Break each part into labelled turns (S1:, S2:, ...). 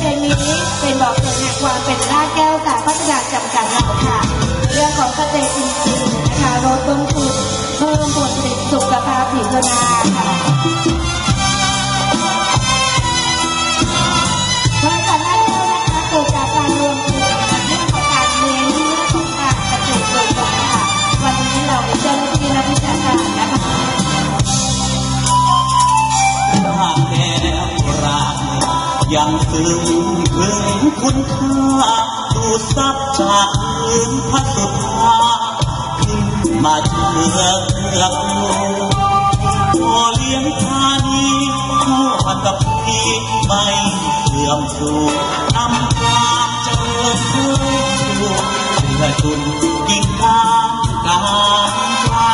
S1: เพลงนี้เป็นบอกเกิดแห่งความเป็นรากแก้วค่ะพัฒนาจำกัดเราค่ะเรื่องของเกษตรอินทรีย์นะคะลดต้นทุนเพิ่มผลผลิตสุขภาพผิวนาค่ะบริษัทรากแก้วนะคะเกิดจากการรวมกลุ่มเรื่องของการเน้นเรื่องของการเกษตรโดยตรงค่ะวันนี้เรามีเจ้าหน้าที่นักวิชาการนะคะ
S2: รากแก้วรากยังซึ้งถึงคุณค่าดูดซับจากพื้นพัดสุดท้าขึ้นมาเชื่อพอเลี้ยงทานีทั่วกับพี่ไม่เสื่อมสูญนำความเจริญขึ้นสู่เพื่อจุนยิ่งการไกล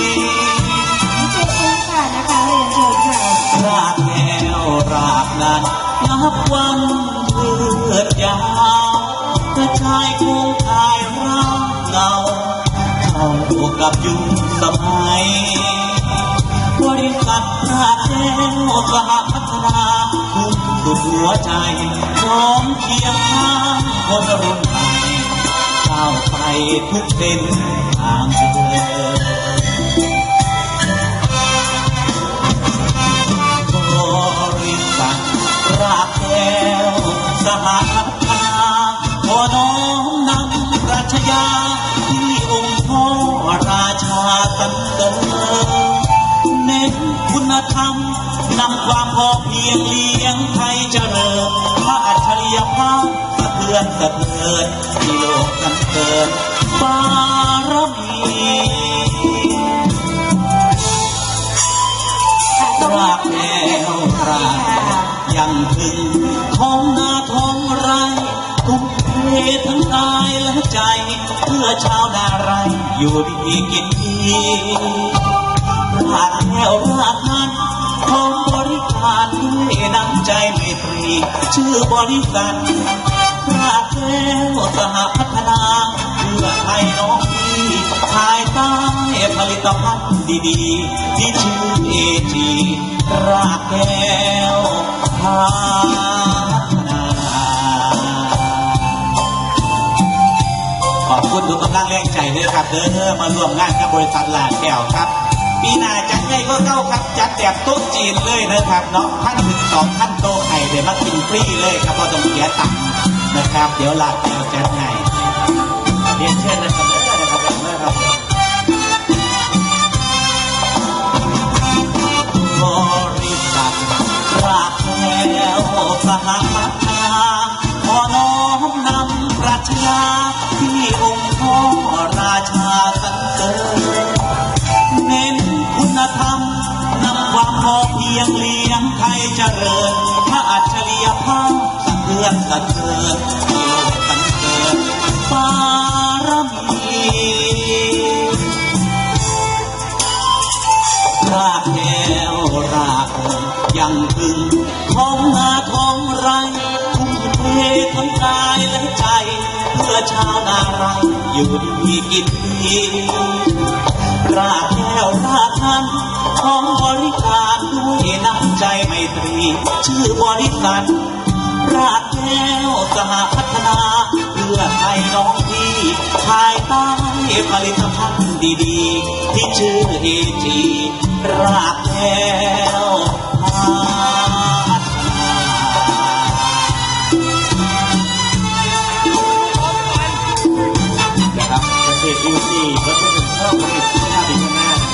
S2: รากแก้วรากนั้นนับวันเลือดยาวกระจายคู่กายร่างเงาเข้ากับยุคสมัยบริษัทรากแก้วสหพัฒนาทุ่มสุดหัวใจพร้อมเคียงข้างคนรุ่นใหม่ก้าวไปทุกเส้นทางเดินรากแก้วสหพัฒนาขอน้อมนำปรัชญาที่องค์พ่อราชาตั้งเติมเน้นคุณธรรมนำความพอเพียงเลี้ยงไทยเจริญพระอัจฉริยภาพสะเทือนสะเทือนที่โลกกันเกินบารมีรากแก้วรากยังถึงท้องนาท้องไร่ทุ่มเททั้งกายและใจเพื่อชาวนาไร่อยู่ดีกินดีรากแก้วรากนั้นพร้อมบริการด้วยน้ำใจไมตรีชื่อบริษัทรากแก้วสหพัฒนาเพื่อไทยน้องพี่ภายใต้ผลิตภัณฑ์ดีๆที่ชื่อเอจีรากแก้วพัฒนาขอบคุณทุกกำลังแรงใจด้วยครับเด้อมาร่วมงานกับบริษัทรากแก้วครับปีหน้าจัดใหญ่ก็เก้าครับจัดแบบโต๊ะจีนเลยนะครับเนาะ1,000-2,000โต๊ะไข่เดี๋ยวมากินฟรีเลยครับเพราะต้องเสียตังค์นะครับเดี๋ยวรากแก้วจัดให้เรียนเชิญนะครับบริษัทรากแก้วสหพัฒนาขอน้อมนำปรัชญาที่องค์พ่อราชาสรรเสริญเน้นคุณธรรมนำความพอเพียงเลี้ยงไทยเจริญพระอัจฉริยภาพสะเทือนสะเทือนที่โลกกันเกิดบารมีรากแก้วรากยังถึงท้องนาท้องไร่ทุ่มเททั้งกายและใจเพื่อชาวนาไร่อยู่ดีกินดีรากแก้วรากนั้นของบริการด้วยน้ำใจไมตรีชื่อบริษัทรากแก้วสหพัฒนาเพื่อไทยน้องพี่ภายใต้ผลิตภัณฑ์ดีๆที่ชื่อเอจีรากแก้วพัฒนาครับเกษตรอินทรีย์ก็เป็นข้าวผลิตที่น่าดีมาก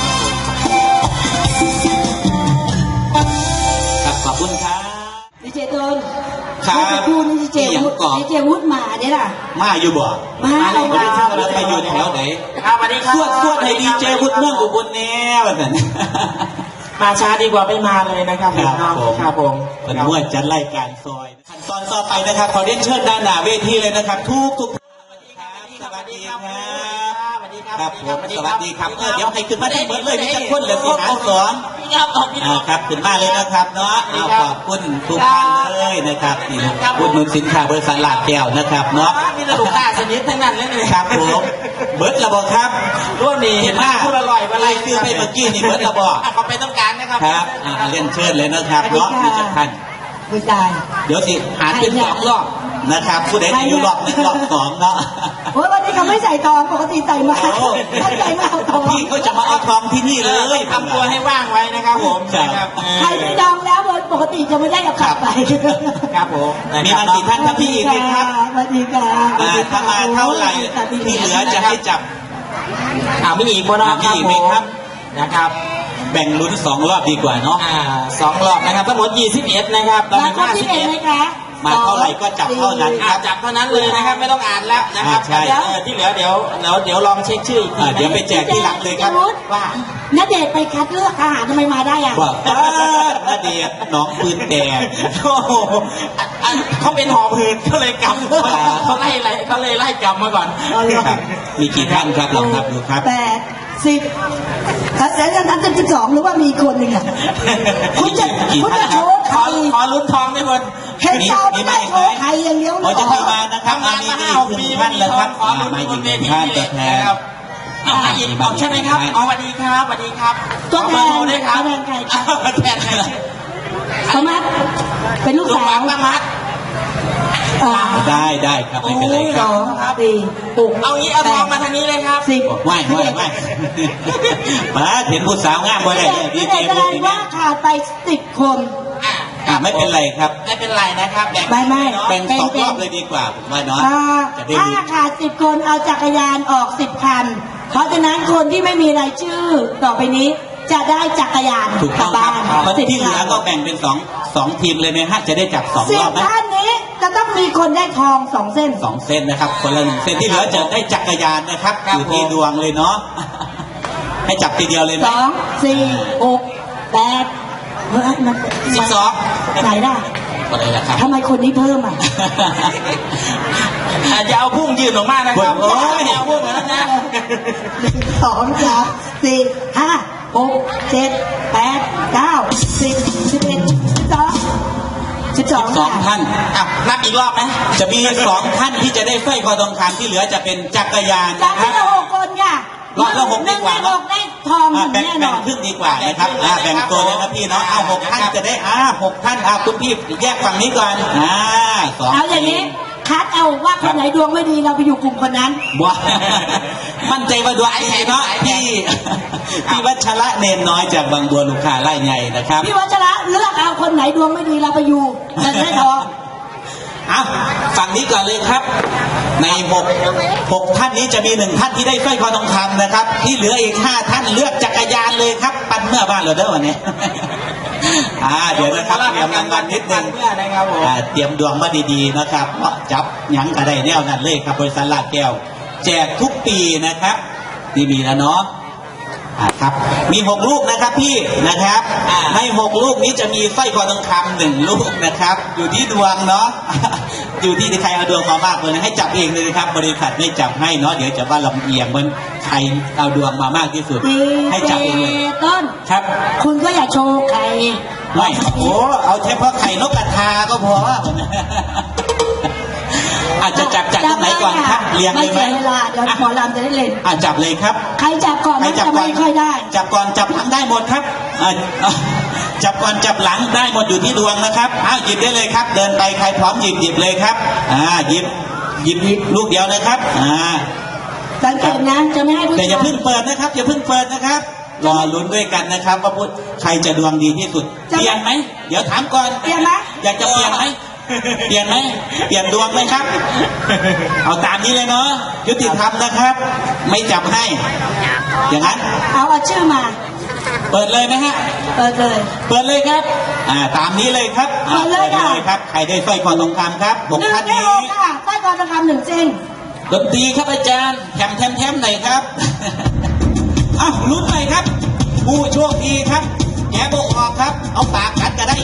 S2: ครับขอบคุณครับ
S1: ดีเจต้น
S2: ครับ
S1: พูดดีเจวุฒิมาเนี่ยล่ะ
S2: มาอยู่บ่
S1: มา
S2: เลยครับเราไปอยู่แถวไหน
S3: ครับสวัสดีครับ
S2: สวดให้ดีเจวุฒิเมืองอุบลแน่แบบนั้น
S3: มาช้าดีกว่าไม่มาเลยนะครับ
S2: ครับผมเป็นมวยจัดรายการซอยขั้นตอนต่อไปนะครับขอเรียนเชิญด้านหน้าเวทีเลยนะครับทุกสวัสดีครับครับผมสวัสดีครับเดี๋ยวให้ขึ้นมาได้เหมือนเลยที่จะพ้นเลยที่หาสอนครับขึ้นมาเลยนะครับเนาะขอบคุณทุกท่านเลยนะครับนี่อุดหนุนสินค้าบริษัทรากแก้วนะครับเนาะ
S3: มีลูกค้าชนิดทั้งนั้นเลย
S2: ครับผมเบิร์ดระบอกครับ
S3: รุ่นนี้เห็นมากพูดอร่อยอะไร
S2: คือไปเมื่อกี้นี่เบิร์ดระบอก
S3: เขาไปต้องการนะครับ
S2: ครับเรียนเชิญเลยนะครับเนาะมีจัดท่าน
S1: ไม่ได้
S2: เดี๋ยวสิหารเป็น2 รอบนะครับผู้ใดที่อยู่รอบ1 รอบ 2เนาะ
S1: โอ้ยวันนี้เขาไม่ใส่ทองปกติใส่มาไม่ใส่มาเอาทอง
S2: พี่เขาจะมาเอาทองที่นี่เลย
S3: ทำตัวให้ว่างไว้นะครับผม
S2: ครับ
S3: นะครับ
S1: ใครที่ดองแล้วปกติจะไม่ได้เอากลับไป
S3: ครับผม
S2: มีมากี่ท่านครับพี่อีกไหมครับ
S1: สวัสดีค่ะ
S2: ถ้ามาเท่าไหร่ที่เหลือจะให้จับ
S3: มีอีกบ่เนาะ
S2: มีอีกไหมครับ
S3: นะครับ
S2: แบ่งลุ้น2 รอบดีกว่าเนาะ
S3: 2 รอบนะครับทั้งหมด21นะครับตอน
S1: มา
S3: นี้
S1: คนที่เป็นไหมคะ
S2: มาเท่าไหร่ก็จับเท่านั้น
S3: จับเท่านั้นเลยนะครับไม่ต้องอ่านแล้วนะครับ
S2: ใช่
S3: ที่เหลือเดี๋ยวลองเช็คชื่ออีกที
S2: เดี๋ยวไปแจกที่หลังเลยครับ
S3: ว่า
S1: ณเดชน์ไปคัดเลือกทหารทำไมมาได้อ่ะ
S2: ว่านาเดียน้องปืนแดง
S3: โอ้โหเขาเป็นหอบหืดก็เลยกลับเขาเลยไล่กลับมาก่อน
S2: ครับมีกี่ท่านครับลองนับดูครับ
S1: 8 10แล้วท่านจะ12หรือว่ามีคนหนึ่งอ่ะคุณจะ
S2: กี่
S1: คุณ
S2: ท่าน
S1: จะ
S2: ค
S1: โช
S2: รับ
S1: ว์ใคร
S3: ขอลุ้นทองได้หมด
S1: เห็นเจ้าไม่ได้โชว์ใครอย่างเดียว
S2: เขาจะเข้ามานะครับ
S3: ทำงานมา
S2: มี
S3: 5-6 ปี
S2: ท่านแล้วครับ
S3: ขอลุ้น
S2: มา
S3: บ
S2: อี
S3: น
S2: ก
S3: เว
S2: หนึ่ง
S3: ที
S2: ท่าน
S3: นี้
S2: ตัวแทน
S3: นะครับเอาอีกใช่ไหมครับสวัสดีครับสวัสดีครับ
S1: ตัวแท
S3: ขอเบอร์โทรด้วยครับ
S1: นใครครับ
S3: แทนใคร
S1: สมัครเป็นลูก
S3: ลูก
S1: สา
S3: หลั
S1: ว
S3: งละมัด
S2: ได้ครับไม่เป็นไรค
S1: ส
S2: รับ
S1: อง4 6
S3: เอางี้เอาทองมาทางนี้เลยครับ
S1: 10
S2: ไม่มาเห็นผู้สาวงามบ่ได้ดี
S1: พี่
S2: เจ
S1: เด็กแส
S2: พู
S1: ด
S2: ด
S1: ง
S2: อย่าง
S1: ว่า
S2: นี้
S1: ขาดไป10 คน
S2: ไม่เป็นไรครับ
S3: ไม่เป็นไรนะครับแบ่ง
S1: ไม่
S2: แบ่ง2 รอบเลยดีกว่าผมว่าเนาะจะได้
S1: ถ้า
S2: รู้
S1: ขาด10 คนเอาจักรยานออก10 คัน เพราะฉะนั้นคนที่ไม่มีรายชื่อต่อไปนี้จะได้จักรยาน
S2: ถูก
S1: ก
S2: ต้
S1: ลั
S2: อบ งครับ
S1: บ้าน
S2: คนที่เหลือก็
S1: 10
S2: แบ่งเป็น2 ทีมเลยไหมฮะจะได้จับ2 รอบ
S1: 10
S2: ไหม
S1: ท่านนี้จะต้องมีคนได้ทอง2 เส้น
S2: 2 เส้นนะครับคนละ1 เส้นที่เหลือจะได้จักรยานนะครับอยู่ที่ดวงเลยเนาะให้จับทีเดียวเลยไหม
S1: 2 4 6 8เฮ้ยมัน
S3: 12
S1: ไหนได้
S2: ก็ได้แล้วครับ
S1: ทำไมคนนี้เพิ่มอ่ะ
S3: จะเอาพุ่งยืนออกมานะครับ
S2: โอ้ย
S3: เอาพุ่งเหมือนนั้นนะ
S1: 1 2 3 4 5 6 7 8 9 10 11 12
S2: 2 ท่าน
S3: นับอีกรอบไหม
S2: จะมี2 ท่านที่จะได้สร้อยคอทองคำที่เหลือจะเป็นจักรยาน
S1: จาก
S2: นะค
S1: ที่
S2: รับ
S1: เรา6 คนค่ะ
S2: รอบละ6ดีกว่า
S1: 1ใน6ได้ทองหนึ่ง
S2: แบ่ง
S1: แน่น
S2: แบ่
S1: อง น
S2: ครึ่งดีกว่านะครับแบ่งตัวเลยนะพี่เนาะเอา6 ท่านจะได้6 ท่านคุณพี่แยกฝั่งนี้ก่อน2
S1: เอาอย่างนี้คัดเอาว่าคนไหนดวงไม่ดีเราไปอยู่กลุ่มคนนั้น
S2: บัวมั่นใจว่าดวงดีเนาะพี่วัชระเนนน้อยจากบางบัวลูกค้าไร่ใหญ่นะครับ
S1: พี่วัชระเลือกเอาคนไหนดวงไม่ดีเราไปอยู่จะได้ทอง
S2: เอาฝั่งนี้ก่อนเลยครับ ใน6 ท่านนี้จะมี1 ท่านที่ได้สร้อยคอทองคำนะครับ ที่เหลืออีก5 ท่านเลือกจักรยานเลยครับ ปั่นเมื่อบ้านเราเด้อวันนี้ เดี๋ยวนะครับเตรียมรางวัลนิดนึง
S3: เพื่อนะครับผม
S2: เตรียมดวงมาดีๆนะครับเพราะจับหยังกระไดแนวนั้นเลยครับบริษัทลาดแก้ว แจกทุกปีนะครับนี่มีแล้วเนาะครับมี6 ลูกนะครับพี่นะครับใน6 ลูกนี้จะมีสร้อยคอทองคำ1 ลูกนะครับ อยู่ที่ดวงเนาะ อยู่ที่ใครเอาดวงมามากเลยนะให้จับเองเลยนะครับ บริษัทไม่จับให้เนาะเดี๋ยวจะว่าลำเอียงมันใครเอาดวงมามากที่สุด ให้จับเองเลย
S1: ต้น
S2: ครับ
S1: คุณก็อย่าโชว์ใคร
S2: ไม่โอ้เอาเฉพาะไข่นกกระทาก็พอ อาจจะจับจากตรงไหนก่อนครับเรียง
S1: ไม่
S2: เลยไหม
S1: เสียเวลาเดี๋ยวหมอลำจะได้เล่น
S2: จับเลยครับ
S1: ใครจับก่อน
S2: ใคร
S1: มัน
S2: จับ
S1: จะ
S2: ก่อน
S1: ไม่ค่อยได้
S2: จับก่อนจับหลังได้หมดครับจับก่อนจับหลังได้หมดอยู่ที่ดวงนะครับหยิบได้เลยครับ เดินไปใครพร้อมหยิบเลยครับหยิบลูกเดียวนะครับ
S1: สังเกตนะจะไม่ให้ผู้
S2: แต่อย่า
S1: ชาย
S2: เพิ่งเปิดนะครับอย่าเพิ่งเปิดนะครับรอลุ้นด้วยกันนะครับว่าพูดใครจะดวงดีที่สุดเปลี่ยนไหมเดี๋ยวถามก่อน
S1: เปลี่ยนไหม
S2: อยากจะเปลี่ยนไหมเปลี่ยนไหมเปลี่ยนดวงไหมครับ เอาตามนี้เลยเนาะยุติธรรมนะครับ ไม่จับให้ อย่างนั้น
S1: เอาชื่อมา
S2: เปิดเลยไหมฮะ
S1: เปิดเลย
S2: เปิดเลยครับตามนี้เลยครับ
S1: เปิดเลยค่ะ
S2: ครับ ใครได้สร้อยคอทองคำครับบอก
S1: 1
S2: ท่าน
S1: ใน
S2: นี้
S1: 6ค่ะใต้กอทองคำ1 เส้น
S2: ดนตรีครับอาจารย์แถมหน่อยครับ ลุ้นหน่อยครับ ผู้โชคดีครับแกะบอกออกครับ เอาปากกัดก็ได้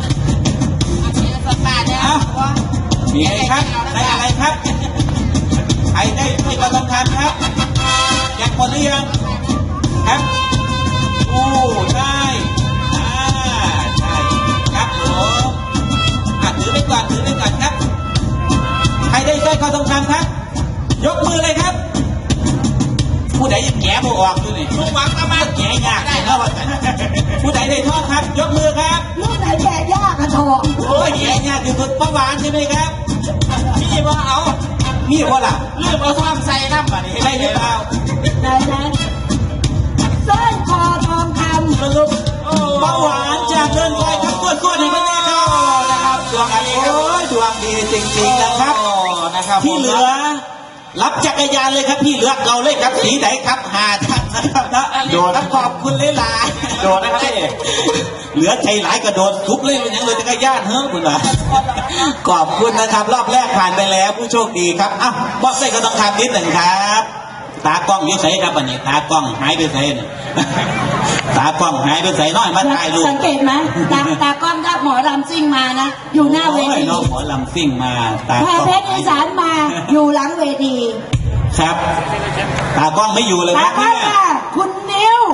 S2: มีอะไรครับได้อะไรครับ ใครได้สร้อยคอทองคำครับแจกหมดหรือยังครับโอ้ได้ใช่ครับผมถือไปก่อนครับ ใครได้สร้อยคอทองคำครับ ยกมือเลยครับ ผู้ใดยังแกะบ่ออกอยู่นี่ลูกหวังก็มาแกะยากได้แล้วผู้ใดได้ทองครับ ยกมือครับ
S1: ลูกไหนแกะยากอะทอง
S2: โอ้ยแย่ยากที่สุดป้าหวานใช่ไหมครับ
S3: พี่ว่าเอา
S2: มีว่าล่ะ
S3: ลืมเอาท่อมใส่น้ำมาดิ
S2: ใช่หรือเปล่า
S1: ได้นั้นสร้อยคอทองคำ
S2: สรุป
S3: โอ้
S2: ป้าหวานจากเดินไฟครับส่วนๆในประเทศครับ
S3: นะครับดวงดีครับ
S2: โอ้ยดวงดีจริงๆนะครับ
S3: โอ้นะครับ
S2: ที่เหลือ รับจักรยานเลยครับพี่เลือกเราเลยครับสีไหนครับหาท่านนะครับนะโดนขอบคุณหลายๆ
S3: โดนนะครับพี่
S2: เหลือใจหลายกระโดดทุบเลยเป็นยังเลยจักรยานเฮ้ยคุณนะขอบคุณนะครับ รอบแรกผ่านไปแล้วผู้โชคดีครับอ้าวบอกใส่กระต้องคำนิดหนึ่งครับตากล้องอยุ่ใส่ครับวันนี้ตากล้องหายไปใส่เนี่ยตากล้องหายไปใส่น้อยมาถ่ายรูป
S1: สังเกตไหมตากล้องถ้าหมอลำซิ่งมานะ อยู่หน้าเว
S2: โอ้ย
S1: ที
S2: น้องหมอลำซิ่งมาตา
S1: แพ
S2: กล้อง
S1: เพชรอีสานมาอยู่หลังเวที
S2: ครับ ตากล้องไม่อยู่เลย
S1: ตา
S2: นะ
S1: กล้อง
S2: เนี่ย
S1: ค่ะคุณนิว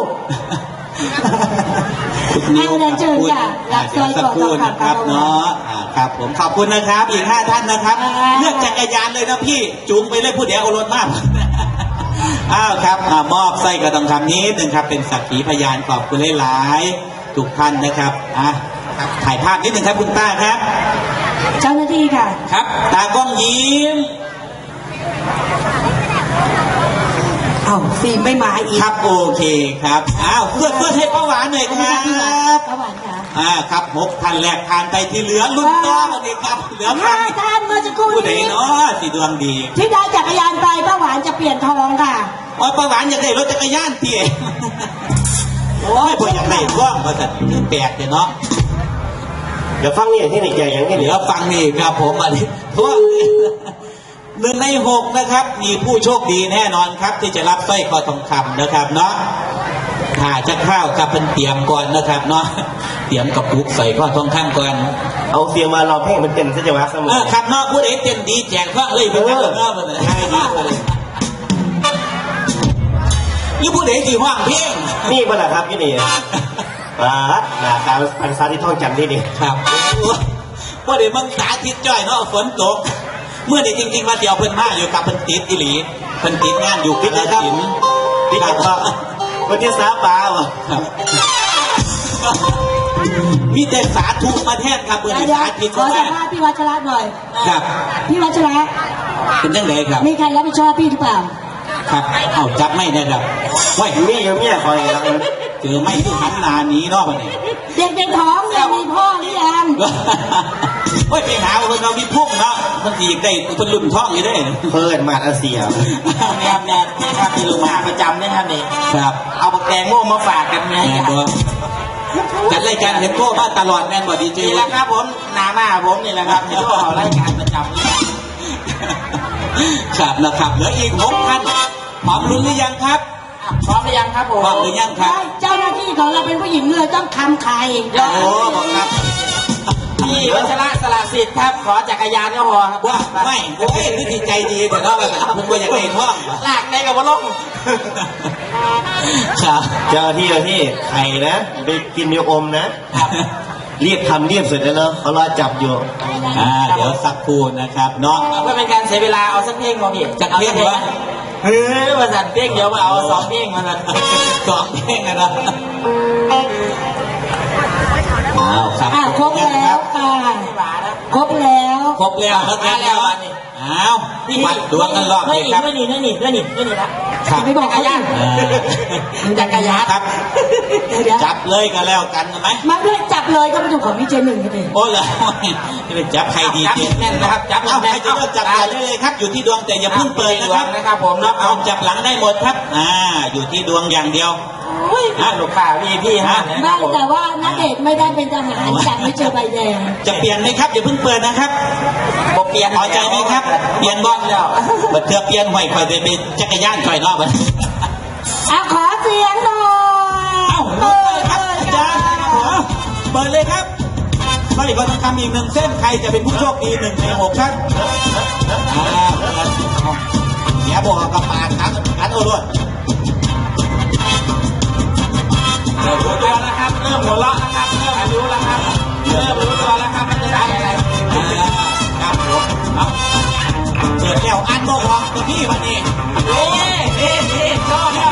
S2: นิ้ว
S1: เอาเรียนเชิญค่ะรับสร้อยคอ
S2: สักครู่
S1: ทอง
S2: นะ
S1: คำ
S2: ครับเนาะครับผมขอบคุณนะครับอีก5ท่านนะครับ เลือกจักรยานเลยนะพี่จูงไปเลยผู้เดียวเอารถมากอ้าวครับมอบไส้กระดองคำนี้หนึ่งครับเป็นสักขีพยานขอบคุณหลายๆทุกท่านนะครับถ่ายภาพนิดหนึ่งครับคุณป้าครับ
S1: เจ้าหน้าที่ค่ะ
S2: ครับตากล้องยิ้ม
S1: เอ้าฟิล์มไม่มาอีก
S2: ครับโอเคครับอ้าวเพื่อนให้ป้าหวานหน่อยครับ
S1: ป้าหวานค่ะ
S2: ครับ6ท่านแรกผ่านไปที่เหลือลุ้นต่อวันนี้ครับเหลือใคร
S1: 5 ท่านเมื่อสักครู่
S2: ผู้ใด
S1: นี้
S2: เนาะสีดวงดี
S1: ที่ได้จักรยานไปป้าหวานจะเปลี่ยนทองค่ะ
S2: ป้าหวานอยากได้รถจักรยานเตี๋ยโอ้ยพออยากได้ว่างมาแต่แปลกเนาะ
S3: เดี๋ยวฟังนี่ที่ไหนใหญ่อย่างนี้
S2: เหลือฟังนี่ครับผมอันนี้ทั่ว1 ใน 6นะครับ มีผู้โชคดีแน่นอนครับ ที่จะรับสร้อยคอทองคำนะครับเนาะถ้าจะเข้าวกับเป็นเตรียมก่อนนะครับเนาะเตรียมกับปุกใส่ข้อทองคำก่อน
S3: เอาเสียงมาเราเพลงมันเต็มซะจังหวะเสมอ
S2: ครับเนาะผู้ใดเต็มดีแจกพระเลยเป็นกันเนาะมันง่ายดีเลยนี่ผู้ใดที่ห้องเพลง
S3: นี่เมื่อไหร่ครับที่นี่นะครับพันซาที่ท่องจำที่นี่
S2: ครับผู้ใดมึงสาธิตจ้อยเนาะฝนตกเมื่อนี้จริงๆมาเดียวเพิ่นมาอยู่กับเพิ่นติดอิหลีเพิ่นติดงานอยู่พิจิตรศิลป์
S3: พี่คิดว่าวันที่สาปาวะ
S2: ครับมีแต่สาธุมาแทนครับเมื่อนี้
S1: เดี๋ยว
S2: สาธิต
S1: ขอ
S2: มา
S1: สัมภาษณ์พี่วัชระหน่อย
S2: ครับ
S1: พี่วัชระ
S2: เป็นยังไงครับ
S1: มีใครรับผิดชอบพี่หรือเปล่า
S2: ครับเอาจับไม่ได้ครับไว้
S3: นี่ยังไม่คอยแล้ว
S2: เจอไม่ที่หันหนาหนี้เนาะวันนี้
S1: เด็กในท้องเนี่ยมีพ่อหรือยัง
S2: โอ้ยไปหาคนเรามีพุ่งเนาะมันสีได้คนรุ่นท้องอยู่ได้
S3: เปิดมาอาเซีย
S2: แนบแนบนี่ครับที่ลงมาประจำนี่ท่านนี่ครับ
S3: เอาปากแกงโม่มาฝากกันไง
S2: แม่ตัวจัดรายการเห็นโก้มาตลอดแม่นบ่ดีเจ
S3: นี่แหละครับผมหน้ามาผมนี่แหละครับที่ก็รายการประจำ
S2: ครับนะครับเหลืออีก6ท่านพร้อมลุ้นหรือยังครับ
S3: พร้อมหรือยังครับผม
S2: พร้อมหรือยังครับ
S1: ได้เจ้าหน้าที่ของเราเป็นผู้หญิงเลยต้องคำใคร
S2: โอ้บอกครับ
S3: พี่วัชระสละสิทธิ์ครับขอจักรยานก็พอครับ
S2: ว่าไม่โอ้ยนี่ใจดีแต่เนาะแบบมันก็อยากได้ท้อง
S3: ลากได้กับว่าลง
S2: ครับ
S3: เจ้าที่ไข่นะไปกินมีอมนะรีบทำรีบเสร็จแล้วเนาะเขารอจับอยู่
S2: เดี๋ยวสักครู่นะครับเนาะ
S3: เพื่อเป็นการเสียเวลาเอาสักเพลงมาพี่
S2: จักเพลงวะ
S3: เฮ้ยมาสั่นเพลงเดี๋ยวมาเอา2เพลงมาสั่น
S2: 2เพลงนะอ้าวครับ
S1: ครบแล้วค่ะครบแล้ว
S2: ครบแล้วครับแล้วอ้าววัดดวงกันรอบเลยครับ
S3: นี่ละ
S2: ครับ
S1: ไม่บอกเขาดิ
S3: จักรยาน
S2: ครับ
S1: เดี๋ยว
S2: จับเลยกันแล้วกันไหม
S1: มาด้วยจับเลยก็ไปดูของพี่เจหนึ่งกันเลย
S2: โอ้เลยจะเป็นจับใครดีเจ
S3: แน่นนะครับจับ
S2: เอาใครจะเลือกจับได้เลยครับ อยู่ที่ดวงแต่อย่าเพิ่งเปิดนะครับ
S3: นะครับผมนะ
S2: เอาจับหลังได้หมดครับอยู่ที่ดวงอย่างเดียว
S3: ลูกค้าพี่ฮะ
S1: ไม่แต่ว่านักเอกไม่ได้เป็นทหารจับไม่เจอใบแดง
S2: จะเปลี่ยนไหมครับอย่าเพิ่งเปิดนะครับ
S3: บอกเปลี่ยน
S2: พอใจไหมครับ เปลี่ยนบอลแล้วบัดเทือเปลี่ยนห่วยคอยเป็นจักรยานคอยรอบมัน
S1: ขอเสียงหน่อย
S2: เอ้าลุกเลยครับอาจารย์เปิดเลยครับสร้อยคอทองคำอีก1 เส้นใครจะเป็นผู้โชคดี1 ใน 6ครับอย่าบอกกับปากครับกันโอ้ด้วย
S3: เริ่มรู้ตัวแล้วครับเริ่มหัวเราะนะครับเริ่มรู้แล้วครับเริ่มรู้ตัวแล้วครับมันจะได้อะไร
S2: ครับผมเอาเปิดแล้วอันบอกว่าพี่วันนี้
S3: นี่ชอบแล้ว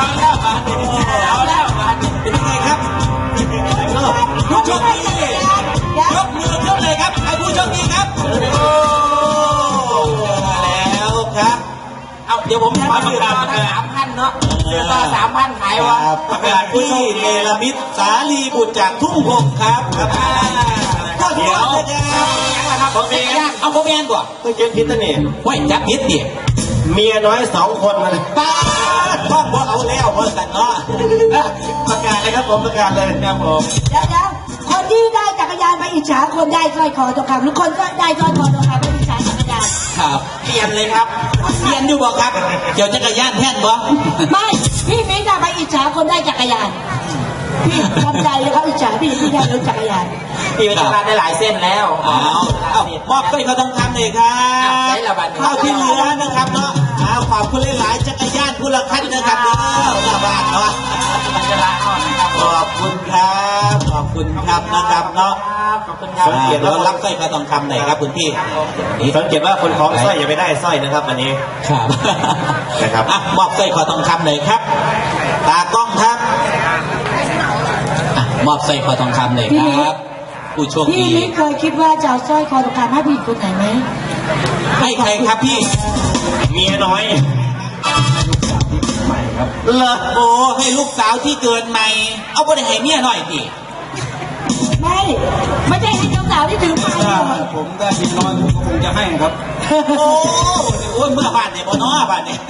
S2: เป็นยังไงครับผู้โชคดียกมือขึ้นเลยครับให้ผู้โชคดีครับโอ้มาแล้วครับ
S3: เอาเดี๋ยวผมมาประกาศทั้ง3,000เนาะเดือนละ3,000ขายวะ
S2: ประกาศที่เนรมิตสาลีบุตรจากทุ่งพงครับก็เดี๋ยว
S3: ครับผมเอง
S2: เอาโมเมนต์ก่อน
S4: ต้องเขียนผิดนะนี่
S2: ไว้จับพิษดิ
S4: เมียน้อย2 คนมาเลย
S2: ป้าพ่อบอกเอาแล้วเมื่อสันเนาะประกาศเลยครับผมประกาศเลยครับผม
S1: เดี๋ยวคนที่ได้จักรยานไปอิจฉาคนได้สร้อยคอทองคำหรือคนก็ได้สร้อยคอทองคำไปอิจฉาจักรยาน
S2: ครับ
S3: เปลี่ยนเลยครับ
S2: เรียนอยู่บอกครับเกี่ยวจักรยานแท่นบ่
S1: ไม่พี่มิ้งจะไปอิจฉาคนได้จักรยานพี่ทำใจเลยเขาอิจฉาพี่ได้รถจักรยาน
S3: พี่เป็นการได้หลายเส้นแล้ว
S2: เอามอบสร้อยคอทองคำเลยครับเข้าที่เหลือนะครับเนาะเอาขอบคุณหลายๆจักรยานผู้ละคันนะครับเนาะหน้าบ้านเนาะ
S3: มันจะละอ่อนนะครับ
S2: ขอบคุณครับขอบคุณครับนะครับเนาะ
S3: ขอบคุณครับ
S2: สังเกตแล้วรับสร้อยคอทองคำหน่อยครับคุณพี่
S4: สังเกตว่าคนคล้องสร้อยอย่าไปได้สร้อยนะครับวันนี้
S2: ครับ
S4: นะครับ
S2: อ่ะมอบสร้อยคอทองคำหน่อยครับ ตากล้องครับอ่ะมอบสร้อยคอทองคำหน่อยครับ ผู้โชค
S1: พี่
S2: ดี
S1: มิ้งเคยคิดว่าจะเอาสร้อยคอทองคำให้ผู้หญิงคนไหนไหม
S2: ให้ใครครับพี่
S4: เมียน้อย
S2: เลอโอ้ให้ลูกสาวที่เกินใหม่ เอาไปให้เมียหน่อยพี่
S1: ไม่ใช่ให้เจ้าสาวที่ถือไม้
S4: ผมได้เมียน้อยผมก็คงจะให้ครับ
S2: โอ้ยเมื่อบ้านเนี่ยบ่เนาะบ้านเนี่ย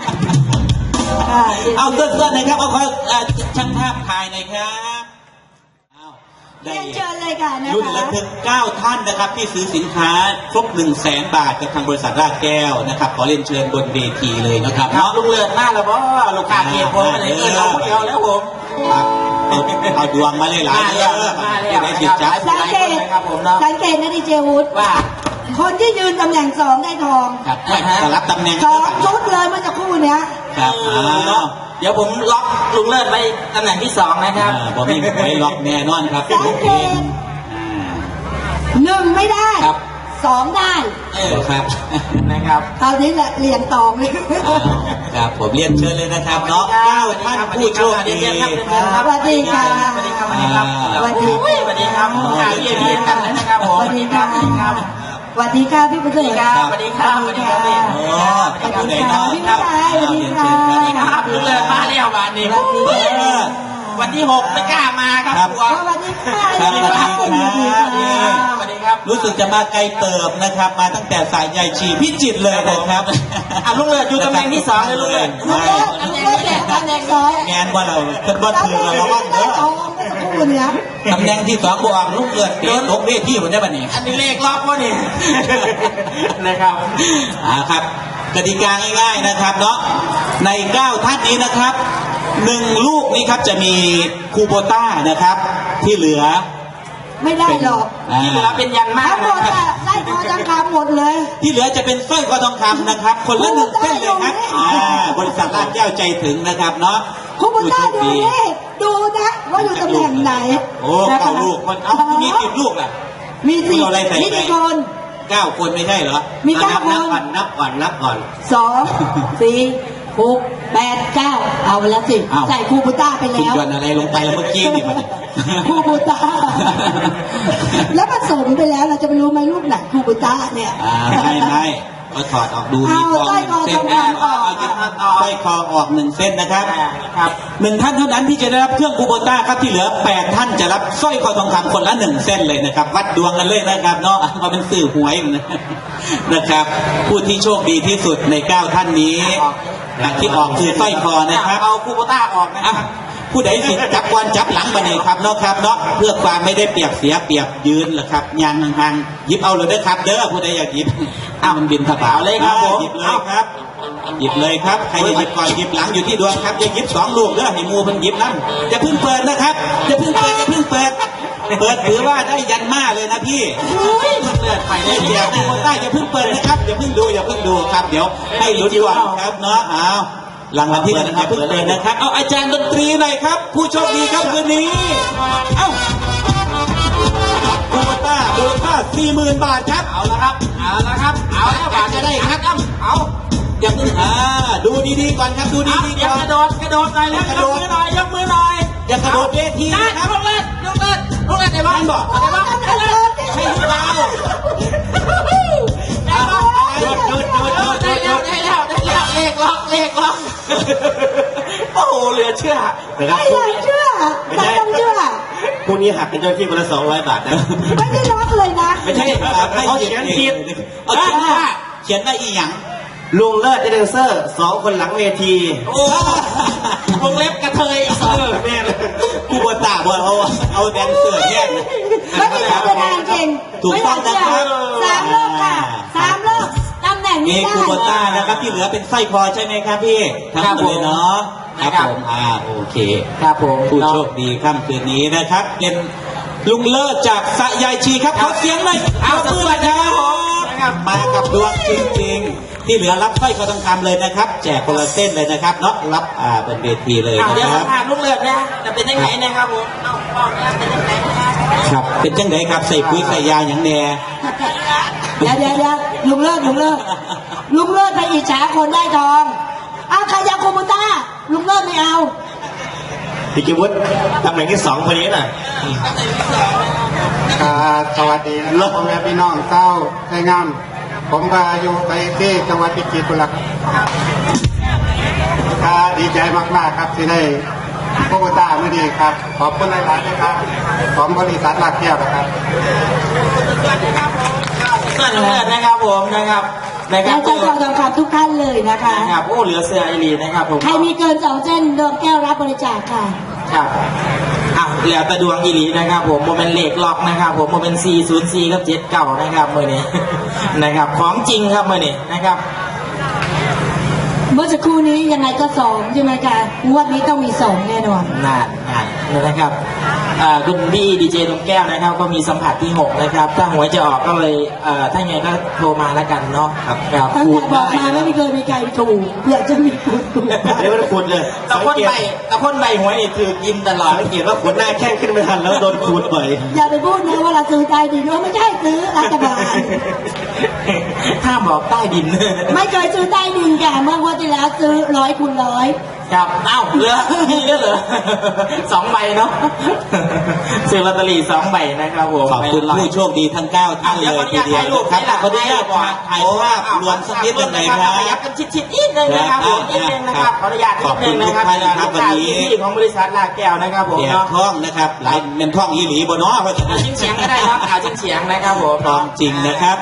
S2: เอาเสื้อๆหน่อยครับเอาขอช่างภาพถ่ายหน่อยครับเอาได้
S1: เรียนเชิญเลยค่ะนะ
S2: รุ่น
S1: คะ
S2: ระทึก9 ท่านนะครับที่ซื้อสินค้าครบ 100,000 บาทกับทางบริษัทรากแก้วนะครับขอเรียนเชิญบนเวทีเลยนะครับ
S3: ครับ
S2: เนาะ
S3: ลุงเลือดหน้าแล้วบ่ลูกค้าเกียร์ผมอะไรเงินเราเดียวแล้วผม
S2: ครับเอาดวงมาเลยหลายเยอะจะได้สิจับ
S1: สังเกต
S3: ครับผมเนาะ
S1: สังเกตนะดีเจวุฒิ
S3: ว่า
S1: คนที่ยืนตำแหน่ง2ได้ทอง
S2: ครับไม่สลับตำแหน่ง
S1: 2ชุดเลยเมื่อสักครู่เนี้ย
S2: ครับ
S3: เนาะเดี๋ยวผมล็อกลุงเลิศไว้ตำแหน่งที่2นะครับ
S2: ผมมีไว้ล็อกแน่นอนครับ
S1: สังเกต1ไม่ได้
S2: ครับ
S1: 2ได้
S2: ครับ
S3: นะครับ
S1: คราวนี้แหละเรียงตองเลย
S2: ครับผมเรียนเชิญเลยนะครับเนาะ9 ท่านผู้โชคดี
S1: สวัสดีค่ะ
S3: สวัสดีครับสวัสดีครับ
S1: สวัสดี
S3: สวัสดีครับข่าวเยี่ยมกันนะครับผม
S1: สวัสดีค่ะสวัสดีค่ะพี่ประเสริฐ
S3: สวัสดีครับสวัสดีครับ
S2: โอ้ขอบคุณเลยเนาะ
S1: พี่ชายสวัสดีค่ะ
S3: ครับลุงเลิศมาแล้ววันนี้วันที่6ไม่กล้ามาครับกลัว
S1: สวัสดีค่ะ
S2: ครับสวัสดีครับ
S3: สวัสดีครับ
S2: รู้สึกจะมาไกลเติบนะครับ มาตั้งแต่สายใยชีพิจิตรเลยนะครับ
S3: ลุงเลิศอยู่ตำแหน่งที่2เลยลุงเลิศ
S1: ลูกเล็กลูกเล็กแหละตำแหน่งสอง
S2: งานว่าเราเป็นบ้านถือเราระวังเด้อ
S1: เอาเมื่อสักครู่เนี้ย
S2: ตำแหน่งที่2บวกลูกเกิดเตะตกเวทีผมได้ปะเนี่ย
S3: อันนี้เลขรอบวะนี่นะครับ
S2: ครับกติกาง่ายๆนะครับเนาะใน9 ท่านนี้นะครับ1 ลูกนี้ครับจะมีคูโบต้านะครับ ที่เหลือ
S1: ไม่ได้หรอก
S3: ที่เหลือเป็นยันมาก
S1: ทั้งหมดอะไล่คอจังคำหมดเลย
S2: ที่เหลือจะเป็นสร้อยคอทองคำนะครับ คนละ1 เส้นเลยครับบริษัทลาดแก้วใจถึงนะครับเนาะ
S1: คุณบุญได้ดูนี่ดูนะว่าอยู่ตำแหน่งไหน
S2: โอ้9 ลูกมันเอ้ามี10 ลูกล่ะ
S1: มีสี่
S2: เอาอะไรใส่
S1: มี
S2: ไป
S1: กี่คน
S2: 9 คนไม่ใช่เหรอ
S1: มี9 คน
S4: นับก่อน
S1: 2 4 6 8 9เอาไปแล้วสิ
S2: อ้าว
S1: ใส่คูบูต้าไป
S2: คุณ
S1: แล้ว
S2: ยนอะไรลงไปเมื่อกี้นี่มัน
S1: คูบูต้าแล้วผสมไปแล้วเราจะไปรู้ไหมลูกไหนคูบูต้าเนี่ย
S2: ไม่ก็ถอดออกดูมี
S1: เอา
S2: ทอง
S1: สร้อยคอ
S2: 1 เส้น
S1: ทองคำออก
S2: สร้อยคอออก1 เส้นนะครับ
S3: ครับ
S2: 1 ท่านเท่านั้นที่จะได้รับเครื่องคูโบต้าครับที่เหลือ8 ท่านจะรับสร้อยคอทองคำคนละ1 เส้นเลยนะครับ วัดดวงกันเลยนะครับเนาะมาเป็นสื่อหวยนะครับ ผู้ที่โชคดีที่สุดใน9 ท่านนี้ที่ออกคือสร้อยคอนะครับ
S3: เอาคูโบต้าออกนะค
S2: อ่ะ
S3: รับ
S2: ผู้ใดสิจับก่อนจับหลังมาเนี่ยครับเนาะครับเนาะเพื่อความไม่ได้เปรียบเสียเปรียบยืนแหละครับยางห่างๆหยิบเอาเลยเด้อครับเด้อผู้ใดอยากหยิบมันบินถบาเลยครับผมหยิบเลยครับหยิบเลยครับใครจะหยิบก่อนหยิบหลังอยู่ที่ดวงครับอย่าหยิบ2 ลูกเด้อให้มูมันหยิบนั่นอย่าเพิ่งเปิดนะครับอย่าเพิ่งเปิดเปิดถือว่าได้ยันมาเลยนะพี่เปิดไปได้เดียวได้อย่าเพิ่งเปิดนะครับอย่าเพิ่งดูครับเดี๋ยวให้ลุ้นก่อนครับเนาะเอารางวัลที่1นะครับเพิ่งเปิดนะครับเอาอาจารย์ดนตรีหน่อยครับผู้โชคดีครับคืนนี้เอ้าคูโบต้ามูลค่า 40,000 บาทครับ
S3: เอาละครับเอาแล้วบาทจะได้ครับเอา
S2: อย่าเพิ่งดูดีๆก่อนครับดู
S3: เอา
S2: ดี
S3: อ
S2: ๆ
S3: ย่า
S2: ก่อน
S3: กระโดดหน่อยแล้วยกมือหน่อย
S2: อย่ากระโดดเวที
S3: ได้
S2: นะครับ
S3: ลุงเลิศในบ้านบอกในบ้านโอ้โหเหลือเชื่อ
S4: นะครับ
S1: ไม่อยากเชื่อแต่ต้องเชื่อ
S4: พรุ่งนี้หักเป็นเจ้าหน้าที่คนละ200 บาทนะ
S1: ไม่ได้รักเลยนะ
S2: ไม่ใช่เขาเขียนผิดเอาเขียนว่าเขียนว่าอีหยัง
S4: ลุงเลิศแดนเซอร์2 คนหลังเวที
S3: โอ้วงเล็บกระเทยแม่เลย
S2: กูบตาบอลเอาแดนเซอร์แยก
S1: ไม่มีใครแสดงเก่ง
S2: ถูกต้องนะครับ
S1: 3 รอบค่ะ3 รอบตำแหน่ง
S2: มี
S1: นี้ได้
S2: คูโบต้านะครับที่เหลือเป็นสร้อยคอใช่ไหมครับพี่ทั้งหมดเลยเนาะครับผมโอเค
S3: ครับผม
S2: ผู้โชคดีค่ำคืนนี้นะครับ เป็นลุงเลิศจากสะยายชีครับขอเสียงหน่อย
S3: เอา
S2: ข
S3: ส
S2: บ
S3: วัสดีครับผม
S2: นะครับมากับดวงจริงๆ ที่เหลือรับสร้อยคอทองคำเลยนะครับ แจกคนละเส้นเลยนะครับเนาะรับบนเวทีเลย
S3: เดี๋ยว
S2: นะค
S3: สั
S2: รั
S3: ม
S2: บ
S3: ภาษณ์ลูกเลือดนะจะเป็นยังไงนะครับผมเอาเป็นยังไงนะครับ
S2: เป็นจังไดครับใส่ปุ๋ยใส่ยาอย่างแน่
S1: เดี๋ยวลุงเลิศไปอิจฉาคนได้ทองเอาใครอยากโคโมต้าลุงเลิศไม่เอา
S4: พี่กิวุฒิตำแหน่งที่2คนนี้น่ะ
S5: สวัสดีนะครับพ่อแม่พี่น้องเจ้าไทยงามผมก็อยู่ไปที่จังหวัดพิจิตรครับดีใจมากๆครับที่ได้พวกตาเมื่อดีครับขอบคุณหลายๆนะครับของบริษัทลากแก้วนะครับ
S3: เสื้อลูกเลือดนะครับผมนะครับนะค
S1: และ
S3: รับ
S1: เจ้าทองทองคำทุกท่านเลยนะคะ
S3: นะครับโอ้เหลือเสื้อไอรีนะครับผม
S1: ใครมีเกิน2 เส้นดวงแก้วรับบริจาคค่ะ
S3: ครับเหลือแต่ดวงอีหลีนะครับผมโมเป็นเลขล็อกนะครับผมโมเป็น404กับ79นะครับมือนี้ นะครับของจริงครับมือนี้นะครับ
S1: เมื่อสักครู่นี้ยังไงก็2ใช่ไหมคะงวดนี้ต้องมี2แน่นอน
S3: นานนะครับคุณพี่ดีเจดวงแก้วนะครับ ก็มีสัมผัสที่6นะครับถ้าหวยจะออกก็เลยถ้าไงก็โทรมาแล้วกันเนาะครับ
S1: ตั้งแต่บอกมาไม่เคยมีใครถูกเผื่อจะมีคุณถูก
S4: เดี๋ยวมันขุดเลย
S3: ตะพ่นใบหวยนี่ถือกินตลอด
S4: สังเกตว่าขนหน้าแข้งขึ้นไม่ทันแล้วโดนขูดบ่อย
S1: อย่าไปพูดนะว่าเราซื้อใต้ดินว่าไม่ใช่ซื้อรัฐบาล
S3: ห้ามบอกใต้ดิน
S1: ไม่เคยซื้อใต้ดินค่ะเมื่องวดที่แล้วซื้อ100 คูณ 100
S3: ครับเอ้าเหลือมีด้วยเหรอ 2 ใบเนาะซื้อลอตเตอรี่2 ใบนะครับผม
S2: ขอบคุณผู้โชคดีทั้ง9ท่านเลยทีเดียวนะครับขออนุญาตถ่ายภาพรวมสักนิดหนึ่งเลยครับ
S3: ขยับกันชิดๆนิดนึงนะครับผมนิดนึงนะครับขออนุญาตนิดนึงนะครับ
S2: ขอบคุณทุกท่านนะครับวันนี้
S3: ที่ของบริษัทลากแก้วนะครับผม
S2: เสียง
S3: เนาะ
S2: ท่องนะครับหลายเป็นท่องอีหลีบนเนาะเพราะฉะนั้น
S3: ชิ้นเสียงก็ได้ครับชิ้นเสียงนะครับผม
S2: ท่องจริงนะครับ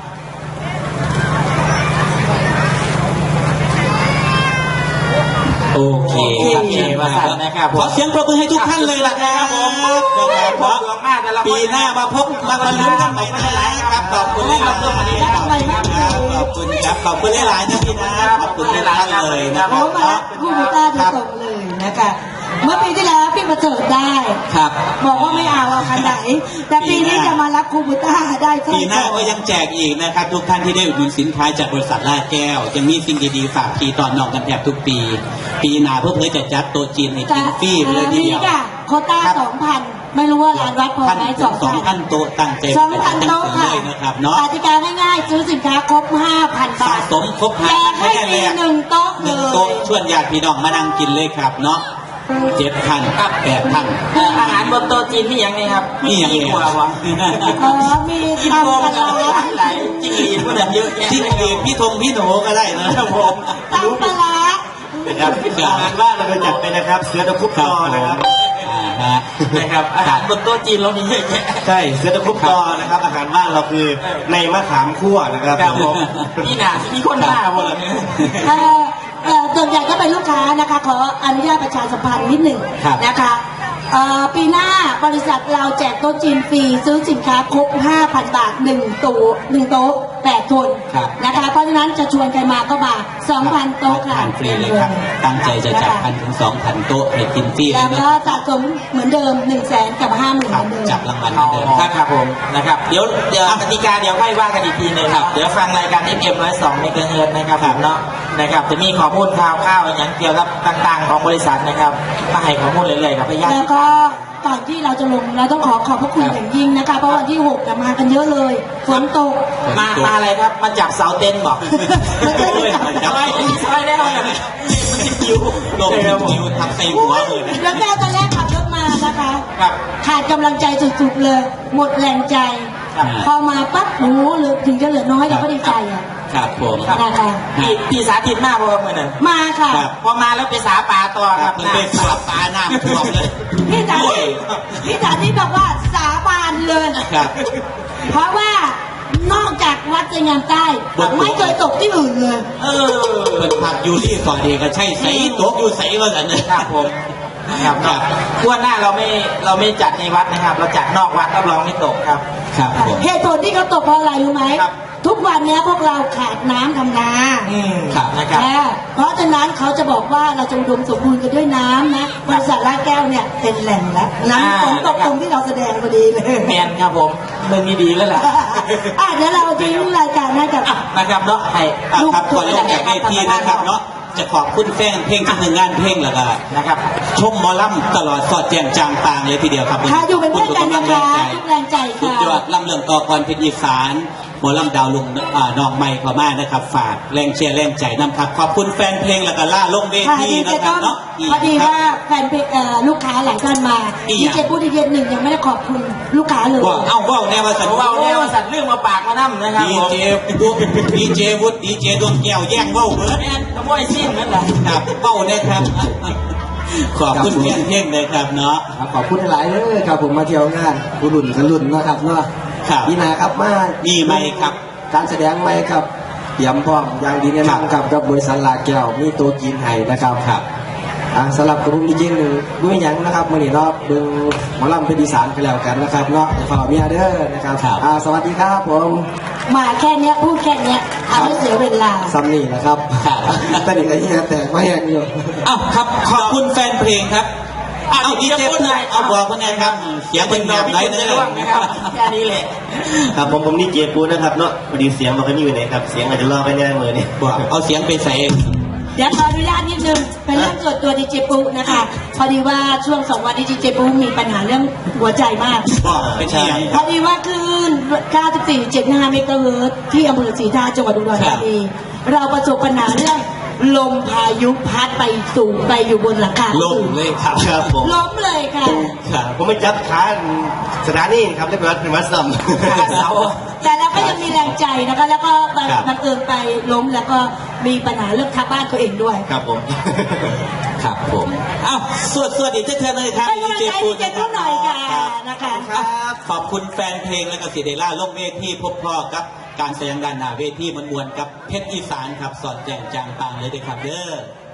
S2: โอเคครับ ขอเสียงปรบมือให้ทุกท่านเลยล่ะครับเพราะปีหน้ามาพบมาลุ้นกันใหม่นะครับขอบคุณครับขอบคุณครับขอบคุณหลายๆนะพี่นะขอบคุณหลายท่านเลยนะค
S1: ผ
S2: รับ
S1: มมาคู่บูต้าโดยตรงเลยนะคะเมื่อปีที่แล้วพี่ประเสริฐได้
S2: ครับ
S1: บอกว่าไม่เอาคันไหน แต่ปีนี้จะมารับคูบูต้าได้ใช่
S2: ปีหน้าก็ยังแจกอีกนะครับทุกท่านที่ได้อุดหนุนสินค้าจากบริษัทลาดแก้วยังมีสิ่งดีๆฝากพี่ตอนน้องกันแทบทุกปี ปีหน้าเพื่อจะจัดโต๊ะจีนให้กินฟรีเลยทีเดียว
S1: มีค่ะโควต้า 2,000 ไม่รู้ว่าร้านวัดพอไหม
S2: 2,000 โต๊ะตั้งใจ
S1: 2,000 โต๊ะค่ะ
S2: เลยนะครับเนาะ
S1: กติกาง่ายๆซื้อสินค้าครบ 5,000
S2: สะ
S1: บาท
S2: สมครบ
S1: แจกให้ฟรี1 โต๊ะ
S2: ห
S1: เล
S2: นึ่ง
S1: ย
S2: โต๊ะชวนญาติพี่น้องมานั่งกินเลยครับเนาะ7,000 8,000
S3: อาหารบนโต๊ะจีนนี่ยังไงครับ
S2: นี่ยังไง
S3: กว่าวะ
S1: มี
S3: กิน
S1: ตำ
S3: โกง
S1: ปลา
S3: กัน
S1: ร้า
S3: หลายจิ้งหรีดพวกนั้นเยอะแยะ
S2: ที่อื่นพี่ธงพี่หนูก็ได้นะครับผม
S1: ตำปลาร้า
S4: นะครับอาหารว่างเราไปจัดไปนะครับ เสือตะคุบตอนะครับ
S3: นะครับอาหารบนโต๊ะจีนเรามีเยอะแยะ
S4: ใช่เสือตะคุบตอนะครับ อาหารว่างเราคือในมะขามคั่วนะครับ
S3: ครับผมนี่น่ะมีคนหน้าหมดเลยเนี่ย
S1: ส่วนใหญ่ก็เป็นลูกค้านะคะ ขออนุญาตประชาสัมพันธ์นิดหนึ่ง
S2: ครับ
S1: นะคะปีหน้าบริษัทเราแจกโต๊ะจีนฟรีซื้อสินค้าครบ 5,000 บาท1 โต๊ะ 8 คน
S2: ครับ
S1: นะคะ เพราะฉะนั้นจะชวนใครมาก็มา 2,000 โต๊ะค่ะ
S2: ทานฟรีเลยครับ ตั้งใจจะจัด1,000 ถึง 2,000 โต๊ะให้กินฟรีเล
S1: แล้
S2: ยว นะ
S1: ก็สะสมเหมือนเดิม 100,000 กับ 50,000 เหมือนเดิม
S2: จับรางวัลเหมือนเดิม
S3: ครับผมนะครับเดี๋ยวกติกาเดี๋ยวค่อยว่ากันอีกทีหนึงครับเดี๋ยวฟังรายการ FM 102 เมกะเฮิรตซ์นะครับผมเนาะนะครับจะมีข้อมูลข่าวอย่างเกี่ยวกับต่างๆของบริษัทนะครับมาให้ข้อมูลเรื่อยๆกับพยาน
S1: แล้วก็ก่อนที่เราจะลงเราต้องขอบพระคุณอย่างยิ่งนะคะ เพราะวันที่6มากันเยอะเลยฝนตก
S3: มาอะไรครับมาจับเสาเต็นท์บอก
S1: ไม่ใช่จับ
S3: ซอยได้แล้วมันติดคิว
S2: ลงคิวทำใส่หัวเลยนะ
S1: แล้วแม่ตอนแรกขับรถมานะคะ
S3: ครับ
S1: ขาดกำลังใจสุดๆเลย หมดแรงใจ
S3: ครับ
S1: พอมาปั๊บหนูเหลือถึงจะเหลือน้อยเราก็ดีใจอ่ะ
S2: ครับผม
S1: นะคะ
S3: พี่สาธิตมากเพราะว่าเมื่อนั้น
S1: มาค่ะ
S2: ครับ
S3: พอมาแล้วไปสาปลาต่อครับ
S2: มันเป็นสาปลาหน้าท่วมเลย
S1: พี่สาธิตพี่สาธิตบอกว่าสาบานเลย
S2: ครับ
S1: เพราะว่านอกจากวัดใจงามใต้
S2: บอก
S1: ไม่เคยตกที่อื่นเลย
S2: เป็นผักยูรี่ก่อนเองก็ใช่ใสตกอยู่ใสว่าสันนะครับ
S3: ผมนะครับ
S2: ครับ
S3: ทั่วหน้าเราไม่จัดในวัดนะครับ เราจัดนอกวัดรับรองไม่ตกครับ
S2: ครับผม
S1: เหตุผลที่เขาตกเพราะอะไรรู้ไหม
S3: ครับ
S1: ทุกวันเนี้ยพวกเราขาดน้ำทำนา
S2: ครับ
S3: นะครับ
S1: เพราะฉะนั้นเขาจะบอกว่าเราจะอุดมสมบูรณ์กันด้วยน้ำนะบริษัทลาดแก้วเนี่ยเป็นแหล่งแล้วน้ำฝนตกตรงที่เราแสดงพอดีเลย
S3: แมนครับผมเรื่องนี้ดีแล้วล่ะ
S1: เดี๋ยวเราทิ้งรายการให้กับ
S3: นะครับเนาะให้
S2: ครับก่อนลงจากเวทีนะครับเนาะจะขอบคุณแฟนเพลงที่หนึ่งงานเพลงแล้วก็
S3: นะครับ
S2: ชมหมอลำตลอดสอดแจงจางปางเลยทีเดียวครับ
S1: ค่ะอยู่เป็นเพื่อนกันนะคะทุกแรงใจ
S2: สุด
S1: ค่ะ
S2: ยอดลำเรื่องต่อกรเพชรอีสานหมอลำดาวลุงน้องใหม่เข้ามานะครับ ฝากแรงเชียร์แรงใจนำครับขอบคุณแฟนเพลงแล้วก็ล่าลงเว
S1: ค่ะ
S2: ที
S1: ดี
S2: นะ
S1: เจ
S2: ครับ
S1: ต้อม
S2: เนาะ
S1: พอดีว่าแฟนเพลงลูกค้าหลายท่านมา
S2: อีก
S1: ดี
S2: อย่าง
S1: เจพูดดีเจหนึ่งยังไม่ได้ขอบคุณลูกค้าเลย
S2: ว่าเอ้าว่าวแนวว่าสัน
S3: ผมเอาเนี่ยว่าสัตว์เรื่องมาปากมานั่นะครับ
S2: ดี
S3: ผม
S2: เจวุฒิดีเจวุฒิดีเจดวงแก้วแย่งว่าวเบิร์ด
S3: แมนขโมยสิ้นนั่นแหละ
S2: ครับว่าวนะครับ ขอบคุณแฟนเพลงเลยครับเนาะ
S6: ขอบคุณหลายเลยครับผมมาเที่ยวงานกุรุ่นกันรุ่นนะครับเนาะ
S2: ครับ
S6: นี่นะครับมา
S2: มีไหมครับ
S6: การแสดงไหมครับเตรียมพร้อมอย่างดีแน่นอนครับกับบริษัทลาแก้วมีตัวจีนไห้นะครับ
S2: ครับ
S6: สำหรับกลุ่มดีเจหนึ่งด้วยยังนะครับมื่อนี้เนาะเบิ่งหมอลำเพชรอีสานกันแล้วกันนะครับเนาะฝากเมียเด้อนะครับ
S2: ครับ
S6: สวัสดีครับผม
S1: มาแค่เนี้ยพูดแค่เนี้ยทำให้เสียเวลา
S6: ซัมนี่นะครับ
S2: ครับ
S6: ตอนนี้ก็เฮียแตกมาแห้งอยู่
S2: อ้าวครับขอบคุณแฟนเพลงครับเอาดีเจพูดเลยเอาบอกคนไหนครับเสียงเป็นแบบไหน
S3: เน
S2: เนื้
S3: ร่วงนะครับแค่นี้แหละ
S4: ครับผมนี่เจปูนะครับเนาะพอดีเสียงมันก็อยู่ไหนครับเสียงอาจจะรอไปแน่มือนี่
S2: บอกเอาเสียงไปใส่เอง
S1: เดี๋ยวขออนุญาตนิดนึงเป็นเรื่องส่วนตัวดีเจปุ๊นะคะ พอดีว่าช่วง2 วันดีเจปุ๊มีปัญหาเรื่องหัวใจมาก
S2: บอกเป็นที่ยัง
S1: พอดีว่าคลื่น 94.75 เมกะเฮิรตซ์ที่อำเภอศรีทาจังหวัดอุดรธานีเราประสบปัญหาเรื่องลมพายุพัดไปสูงไปอยู่บนหลังคา
S2: ลงเลยครับ
S4: ครับผม
S1: ล้มเลยค่ะ
S2: ครับ
S4: ผมไม่จับขาสถานีครับเรียบร้อยเป็นวัดซ้ำ
S3: ขาเสา
S1: แต่เราก็ยังมีแรงใจนะคะ แล้วก็
S2: ครับ
S1: บังเอิญไปล้มแล้วก็มีปัญหาเรื่องทับบ้านตัวเองด้วย
S4: ครับผม
S2: ครับผมเอ้าสวัสดีเธอเลยครับ
S1: ให้กำลังใจดีเจปุ๊หน่อยค่ะนะคะ
S2: ครับขอบคุณแฟนเพลงและก็สิเดล่าลงเวทีพบพ่อกับการแสดงด้านหน้าเวทีมันมวลกับเพชรอีสานครับสอดแจงจางปางเลยเด้อครับเด้อ